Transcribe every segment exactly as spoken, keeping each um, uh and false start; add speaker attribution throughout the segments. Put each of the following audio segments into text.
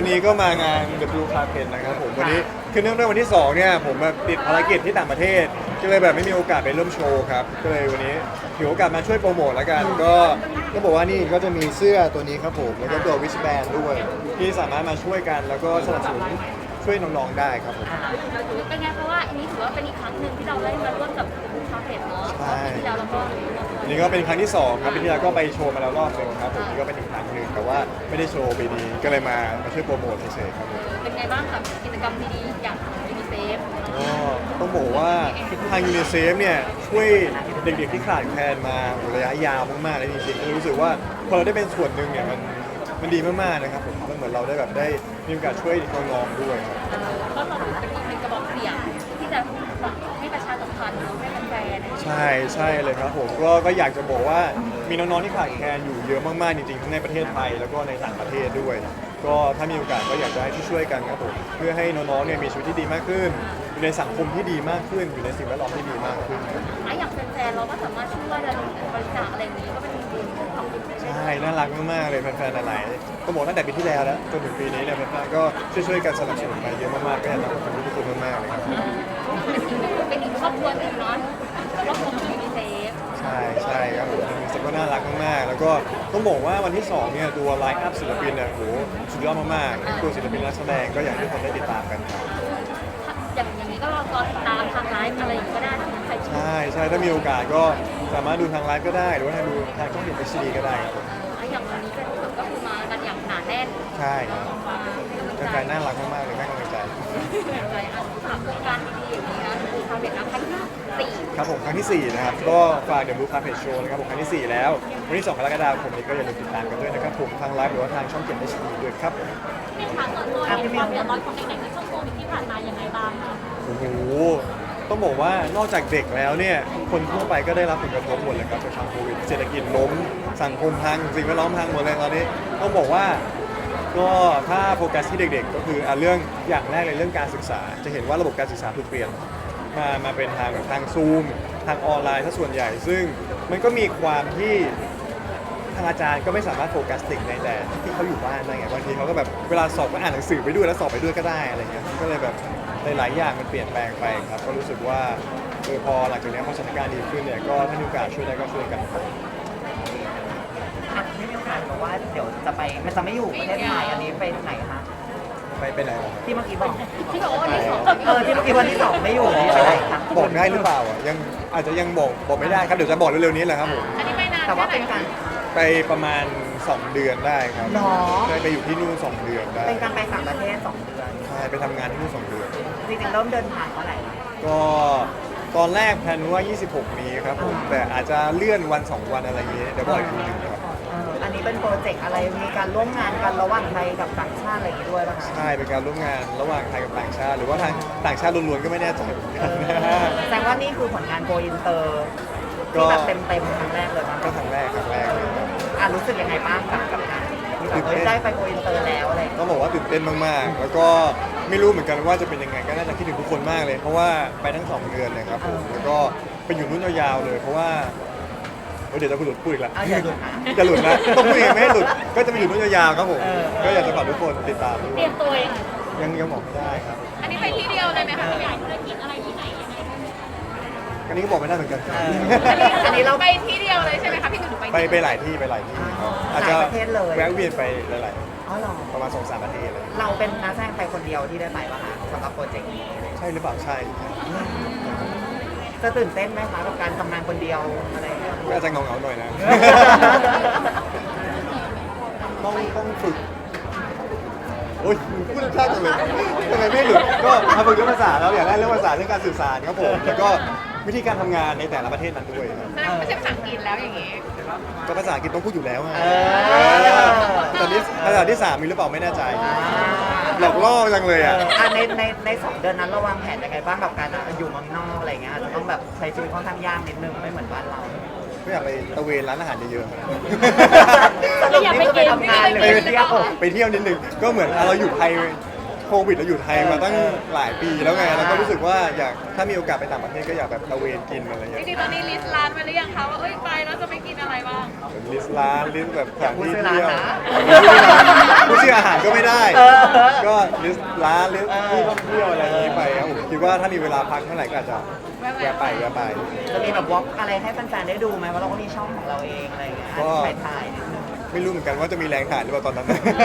Speaker 1: นี้ก็มางาน The Blue Carpet นะครับผมวันนี้คือเนื่องด้วยวันที่สองเนี่ยผมแบบติดภารกิจที่ต่างประเทศก็เลยแบบไม่มีโอกาสไปร่วมโชว์ครับก็เลยวันนี้ถือโอกาสมาช่วยโปรโมทแล้วกันก็ก็บอกว่านี่ก็จะมีเสื้อตัวนี้ครับผมแล้วก็ตัววิชแบนด้วยที่สามารถมาช่วยกันแล้วก็สนับสนุนช่วยน้องๆได้ครับผม
Speaker 2: เป็นไงเพราะว่าอันนี้ถือว่าเป็นอีกครั้งหนึ่งที่เราได้มาร่วมกับคาเฟ่เนาะปีที่แล้วเราก็
Speaker 1: อันนี้ก็เป็นครั้งที่สองครับปีที่แล้วก็ไปโชว์มาแล้วรอบหนึงครับผมนี่ก็เป็นอีกครั้งหนึ่งแต่ว่าไม่ได้โชว์ปีนี้ก็เลยมามาช่วยโปรโมทเฉยๆครับผม
Speaker 2: เป็นไงบ้างกับกิจกรรมดีๆอย่างยูนิเซฟ
Speaker 1: ก็ต้องบอกว่าทางยูนิเซฟเนี่ยช่วยเด็กๆที่ขาดแคลนมาระยะยาวมากๆเลยจริงๆก็รู้สึกว่าพอเราได้เป็นส่วนหนึ่งเนี่ยมันมันดีมากๆนะครับผมมันเหมือนเราได้แบบได้มีโอกาสช่วยน้องๆด้วยครับ
Speaker 2: ก็เราถือเป็นอีกหนึ่งกระบอกเสียงที่จะให้ประชาสัมพันธ์ให้แฟนๆ
Speaker 1: ใช่ใช่เลยครับผมก็ก็อยากจะบอกว่ามีน้องๆที่ขาดแคลนอยู่เยอะมากๆจริงๆทั้งในประเทศไทยแล้วก็ในต่างประเทศด้วย ก็ถ้ามีโอกาสก็อยากจะให้ช่วยๆกันครับผมเพื่อให้น้องๆเนี่ยมีชีวิตที่ดีมากขึ้นอยู่ในสังคมที่ดีมากขึ้นอยู่ในสิ่งแวดล้อมที่ดีมากขึ้น
Speaker 2: ไอ้อย่างแฟนๆเราก็สามารถช่วยระดมบริจาคอะไรอย่างนี้ก็เป็นบุญของ
Speaker 1: ใช่น่ารักมากๆเลยแฟนๆหลายๆก็บอกตั้งแต่ปีที่แล้วแล้วจนถึงปีนี้เนี่ยแฟนๆก็ช่วยๆกันสนับสนุนมาเยอะมากๆก็อยากจะขอบคุณทุกคนมากๆเลยครับ
Speaker 2: เป็นอีกหนึ่งเป็นอีกครอบครัวหนึ่งเนาะครอบครัวของยูนิเซฟ
Speaker 1: ใช่ใช่ครับผมรู้สึกว่าน่ารักมากๆแล้วก็ต้องบอกว่าวันที่สองเนี่ยตัวไลฟ์อัพศิลปินเนี่ยโหสุดยอดมากๆตัวศิลปินนักแสดงก็อยากให้ทุกคนได้ติดตามกันครับ
Speaker 2: อย่างอย่างนี้ก็รอติดตามทางไลฟ์อะไรอย่างนี้ก็ได้ถ้าใครชอบ
Speaker 1: ใช่ใช่ถ้ามีโอกาสก็สามารถดูทางไลฟ์ก็ได้หรือว่าทางดูทางช่องเห็นเอชดีก็ได้ครับผม
Speaker 2: อย่างวันนี้เป็นก็คือมากันอย่างหนาแน่น
Speaker 1: ใช่ครับ
Speaker 2: มาให้กำลัง
Speaker 1: แฟ
Speaker 2: ใจ
Speaker 1: นๆน่ารักมากๆเลยให้กำลังใจ
Speaker 2: ใจอ่ะสำหรับโครงการดีๆอย่างนี้นะคือทำเป็นนักพัฒนาสี่
Speaker 1: ครับผมครั้งที่สี่นะครับก็ฝากเดอะบลูคาเฟ่โชว์นะครับผมครั้งที่สี่แล้ววันที่สองกรกฎาคมนี้ก็อย่าลืมติดตามกันด้วยนะครับผมทางไลฟ์หรือว่าทางช่องเจ็ดเอชดีด้วยครับ
Speaker 2: มีทางส่วนตัวเห็นความเดือดร้อนของเด็กๆในช่วงโควิดที่ผ่านมายังไงบ้างคะ
Speaker 1: โอ้โหต้องบอกว่านอกจากเด็กแล้วเนี่ยคนทั่วไปก็ได้รับผลกระทบหมดเลยครับจากทางโควิดเศรษฐกิจล้มสังคมพังสิ่งแวดล้อมพังหมดเลยตอนนี้ต้องบอกว่าก็ถ้าโฟกัสที่เด็กๆ ก็คืออ่ะเรื่องอย่างแรกเลยเรื่องการศึกษา จะเห็นว่าระบบการศึกษาถูกเปลี่ยนมามาเป็นทางแบบทางซูมทางออนไลน์ซะส่วนใหญ่ ซึ่งมันก็มีความที่ทางอาจารย์ก็ไม่สามารถโฟกัสเด็กในแต่ที่เขาอยู่บ้านได้ไงบางทีเขาก็แบบเวลาสอบก็อ่านหนังสือไปด้วยแล้วสอบไปด้วยก็ได้อะไรเงี้ยก็เลยแบบหลายๆอย่างมันเปลี่ยนแปลงไปครับก็รู้สึกว่าเออพอหลังจากนี้พอสถานการณ์ดีขึ้นเนี่ยก็ถ้ามีโอกาสช่วยได้ก็ช่วยกันครับ
Speaker 3: อ่ะไม่มีโอกาสบอกว่าเดี๋ยวจะไปมันจะไม่อยู่ประเทศไทยอันนี้ไปไหนคะ
Speaker 1: ไปไปไหนหรอ
Speaker 3: ที่เมื่อกี้บอก
Speaker 2: ที่บอกว่าวันที่สอง
Speaker 3: เออที่เมื่อกี้วันที่สองไม่อยู่นี่ไปไหนคะ
Speaker 1: บอกได้หรือเปล่าอ่ะยังอาจจะยังบอกบอกไม่ได้ครับเดี๋ยวจะบอกเร็วๆนี้แหละครับผม
Speaker 2: อันนี้ไม่นาน
Speaker 3: แต่ว่าเป็นการ
Speaker 1: ไปประมาณสองเดือนได้ครับ
Speaker 3: หรอ
Speaker 1: ได้ไปอยู่ที่นู่นสองเดือนได้
Speaker 3: เป็นการไปต่างประเทศสองเดือน
Speaker 1: ใช่ไปทำงานที่นู่นสองเดือน
Speaker 3: จริงๆเริ่มเดินทางเมื่อไหร่คะ
Speaker 1: ก็ตอนแรกแพลนว่ายี่สิบหกนี้ครับผมแต่อาจจะเลื่อนวันสองวันอะไรอย่างเงี้ยเดี๋ยวบอกอีกทีหนึงครับ
Speaker 3: เอออันนี้เป็นโปรเจกต์อะไรมีการร่วมงานกันระหว่างไทยกับต่างชาติอะไรอย่างงี้ด้วยป่ะคะ
Speaker 1: ใช่เป็นการร่วมงานระหว่างไทยกับต่างชาติ หรือว่าทางต่างชาติล้วนๆก็ไม่แน่ใจเหมือนกัน
Speaker 3: แสดงว่านี่คือผลงานโกอินเตอร์
Speaker 1: ก็
Speaker 3: ที่แบบเต็มๆครั้งแรกเลยมั้ง
Speaker 1: ก็ครั้งแรกครั้งแรกเลยครับ
Speaker 3: อ่ะรู้สึกยังไงบ้างกับกับงานที่แบบเอ้ยได้ไปโกอินเตอร์แล้วอะไรอย่างเงี้ย
Speaker 1: ต้องบอกว่าตื่นเต้นมากๆ แล้วก็ไม่รู้เหมือนกันว่าจะเป็นยังไงก็น่าจะคิดถึงทุกคนมากเลย เพราะว่าไปทั้งสองเดือนเลยครับผมแล้วก็ไปอยู่นู่นยาวๆเลย เพราะว่าเอ้ยเดี๋ยวจะพูดหลุดพูดอีกละ
Speaker 3: เอาอย่าหลุดนะ
Speaker 1: จะหลุดนะต้องพูดยังไงไม่ให้หลุดก็จะไปอยู่นู่นยาวๆครับผม
Speaker 3: เออ
Speaker 1: ก็อยากจะฝากทุกคนติดตามด้ว
Speaker 2: เตรี
Speaker 1: ย
Speaker 2: ยมตัวเอง
Speaker 1: ยังยังบอกไม่ได้ครับ
Speaker 2: อันนี้ไปที่เดียวเลยไหมคะขยายธุรกิจอะไรที่ไหนยังไง
Speaker 1: อันนี้ก็บอกไม่ได้เหมือนกัน
Speaker 3: เอออันนี้เรา
Speaker 2: ไปที่เดียวเลยใช่ไหมคะพี่หนูไป
Speaker 1: ไปไปหลายที่ไปหลายที่ครับอาจจะ
Speaker 3: หลายประเทศเลย
Speaker 1: แวะเวียนไปหลาย
Speaker 3: อ๋อเหรอ
Speaker 1: ๆประมาณสองสามประเทศเลย
Speaker 3: เราเป็นนักแสดงไทยคนเดียวที่ได้ไปป่ะคะสำหรับโปรเจกต์นี้
Speaker 1: ใช่หรือเปล่าใช่
Speaker 3: จะตื่นเต้นไหมคะกับการทำงานคนเดียวอะไรอย่างเงี้ย
Speaker 1: ก็อาจจะเงาๆหน่อยนะ ต้องต้องฝึก โอ๊ยพูดชาติจังเลยทำไมไม่หลุดก็มาฝึกเรื่องภาษาแล้วอย่างแรกเรื่องภาษาเรื่องการสื่อสารครับผมแล้วก็วิธีการทำงานในแต่ละประเทศนั้นด้วยครับ
Speaker 2: ไม่ใช่ภาษาอังกฤษแล้วอย่างงี้
Speaker 1: ก็ภาษาอังกฤษต้องพูดอยู่แล้วไง
Speaker 3: เอ
Speaker 1: เอ
Speaker 3: อ
Speaker 1: อตอนนี้ภาษาที่สามมีหรือเปล่าไม่แน่ใจหลอกล่อจังเลย
Speaker 3: เอ
Speaker 1: อ่ะ
Speaker 3: ออ่ะในในในสองเดือนนั้นเราวางแผนยังไงบ้างกับการอยู่เมืองนอกอะไรเงี้ยอาจจะต้องแบบใช้ชีวิตค่อนข้างยากนิดนึงไม่เหมือนบ้านเรา
Speaker 1: ก็อยากไปตะเวนร้านอาหารเยอะๆครับ
Speaker 3: สรุปนี่คือไปทำงานหรือ
Speaker 1: ไป
Speaker 3: ไปเที่ยว
Speaker 1: ไปเที่ยวนิดนึงก็เหมือนอ่ะเราอยู่ไทยโควิดเราอยู่ไทยมาตั้งหลายปีแล้วไงแล้วก็รู้สึกว่าอยากถ้ามีโอกาสไปต่างประเทศก็อยากแบบตระเวนกินอะไรอย่าง
Speaker 2: จ
Speaker 1: เงี้ย
Speaker 2: ริงๆตอนนี้ลิสต์ร้านไปหรือยังคะว่าเอ้ยไปแล้วจะไปกินอะไรบ้าง
Speaker 1: ลิสต์ร้านลิสต์แบบสถานที่
Speaker 3: อย่าพูดชื่อ
Speaker 1: เที่ยว
Speaker 3: ร้านนะ
Speaker 1: พูดชื่ออาหารก็ไม่ได้
Speaker 3: เออ
Speaker 1: ก็ลิสต์ร้านลิสต์
Speaker 3: เออ
Speaker 1: ที่ท่องเที่ยวอะไรอย่างนี้ไปครับผมคิดว่าถ้ามีเวลาพักเมื่อไหร่ก็อาจจะแวะไปแวะไป
Speaker 3: จะมีแบบวอล์กอะไรให้แฟนๆได้ดูไหมว่าเราก็มีช่องของเราเองอะไรอย่างเงี้ย
Speaker 1: ก็
Speaker 3: ถ่ายถ่ายนิดนึง
Speaker 1: ไม่รู้เหมือนกันว่าจะมีแรงถ่ายหรือเปล่าตอนนั้น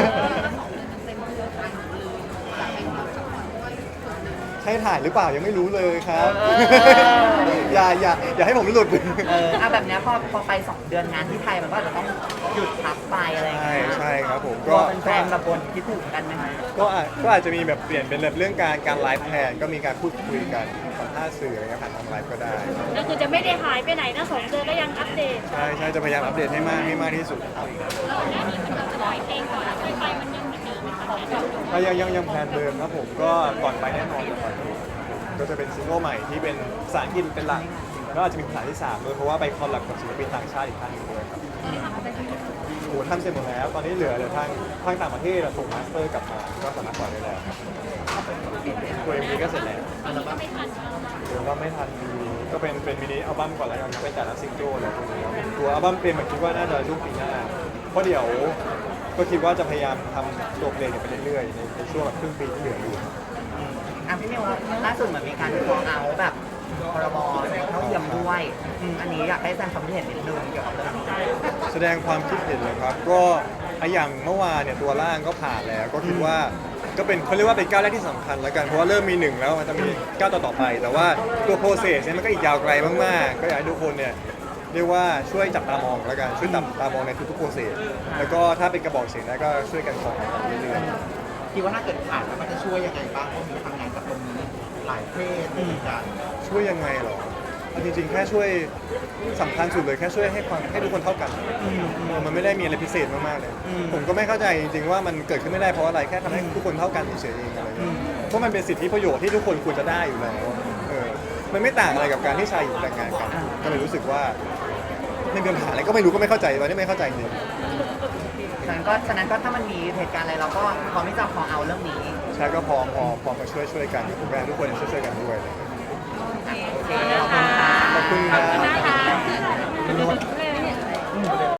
Speaker 1: ใช่ถ่ายหรือเปล่ายังไม่รู้เลยครับ
Speaker 3: เออ
Speaker 1: อย่าอย่าอย่าให้ผมหลุด
Speaker 3: เออเอาแบบเนี้ยพอพอไปสองเดือนงานที่ไทยมันก็อาจจะต้องหยุดพักไปอะไรอย่าง
Speaker 1: ใช่
Speaker 3: เงี้ย
Speaker 1: ใช่ครับผม
Speaker 3: ก็
Speaker 1: ก็
Speaker 3: แฟนๆแบบบนคิดถึงกันไหมคะ
Speaker 1: ก็อาจก็อาจจะมีแบบเปลี่ยนเป็นแบบเรื่องการการไลฟ์แทนก็มีการพูดคุยกันสัมภาษณ์สื่ออะไรเงี้ยผ่านทางไลฟ์ก็ได้
Speaker 2: ก็คือจะไม่ได้หายไปไหนนะสองเดือนก็ยังอัปเดต
Speaker 1: ใช่ใช่จะพยายามอัปเดตให้มากให้มากที่สุดครับ
Speaker 2: ปล่อยเพลงก่อนแล้วค่อยไปมันยังเหมือนเดิมไหมคะ
Speaker 1: อ่ะยังยังยังแพลนเดิมครับผมก็ก่อนไปแน่นอนก่อนไปก็จะเป็นซิงเกิลใหม่ที่เป็นภาษาอังกฤษเป็นหลักแล้วอาจจะมีภาษาที่สามด้วยเพราะว่าไปคอลแลบกับศิลปินต่างชาติอีกท่านหนึงด้วยครับโอ้โหทำเสร็จหมดแล้ว ตอนนี้เหลือเหลือทางทางต่างประเทศอะส่งมาสเตอร์กลับมาก็สามารถปล่อยได้แล้วครับตัวเอ็มวีก็เสร็จแล้ว
Speaker 2: ตอนนี้ก็ไม่ทันแล้ว
Speaker 1: เดี๋ยวก็ไม่ทันมีก็เป็นเป็นมินิอัลบั้มก่อนแล้วกันครับเป็นแต่ละซิงเกิลอะไรพวกนี้ครับตัวอัลบั้มเต็มอะคิดว่าน่าจะช่วงปีหน้าเพราะเดี๋ยวก็คิดว่าจะพยายามทำตัวเพลงเนี่ยไปเรื่อยๆในในช่วงแบบครึ่งปีที่เหลืออยู่
Speaker 3: อ่ะพี่มิวล่าสุดเหมือนมีการฟ้องเอาแบบพรบเท่าเทียมด้วยอืมอันนี้อยากให้แฟนความคิดเห็นนิดนึงเกี่ยวกับเรื่องนี้
Speaker 1: แสดงความคิดเห็นเลยครับ ก็อะอย่างเมื่อวานเนี่ยตัวร่างก็ผ่านแล้ว ก็คิดว่าก็เป็นเขาเรียกว่าเป็นก้าวแรกที่สำคัญแล้วกันเพราะว่าเริ่มมีหนึ่งแล้วมันจะมีก้าวต่อๆไป แต่ว่าตัวโปรเซสเนี่ยมันก็อีกยาวไกลมากๆ ก็อยากให้ทุกคนเนี่ยเรียกว่าช่วยจับตามองแล้วกันช่วยจับตามองในทุกๆโปรเซสแล้วก็ถ้าเป็นกระบอกเสียงได้ก็ช่วยกันขอเรื่อยๆ
Speaker 4: คิดว่าถ้าเกิดผ่านแล้วมันจะช่วยยังไงบ้างเพราะมีทำงานกับตรงนี้หลายเพศเหมือนกัน
Speaker 1: ช่วยยังไงเหรอเอาจริงๆ แค่ช่วยสำคัญสุดเลยแค่ช่วยให้ความให้ทุกคนเท่ากันเออมันไม่ได้มีอะไรพิเศษมากๆเลย ผมก็ไม่เข้าใจจริงๆว่ามันเกิดขึ้นไม่ได้เพราะอะไรแค่ทำให้ทุกคนเท่ากันเฉยๆเองอะไรเงี้ยเพราะมันเป็นสิทธิประโยชน์ที่ทุกคนควรจะได้อยู่แล้วเออมันไม่ต่างอะไรกับการที่ชายหญิงแต่งงานกัน ก็เลยรู้สึกว่าไม่มีปัญหาอะไรก็ไม่รู้ก็ไม่เข้าใจตอนนี้ไม่เข้าใจจริง
Speaker 3: ฉะนั้นก็ฉะนั้นก็ถ้ามันมีเหตุการณ์อะไรเราก็พร้อมที่จะขอเอาเรื่องนี้
Speaker 1: ใช่ก็พร้อมพอพร้อมมาช่วยช่วยกันผมก็อยากให้ทุกคนช่วยช่วยๆกันด้วยเลย
Speaker 3: โอเคขอบคุณค่ะ
Speaker 1: ขอบคุณครับ
Speaker 2: นะคะ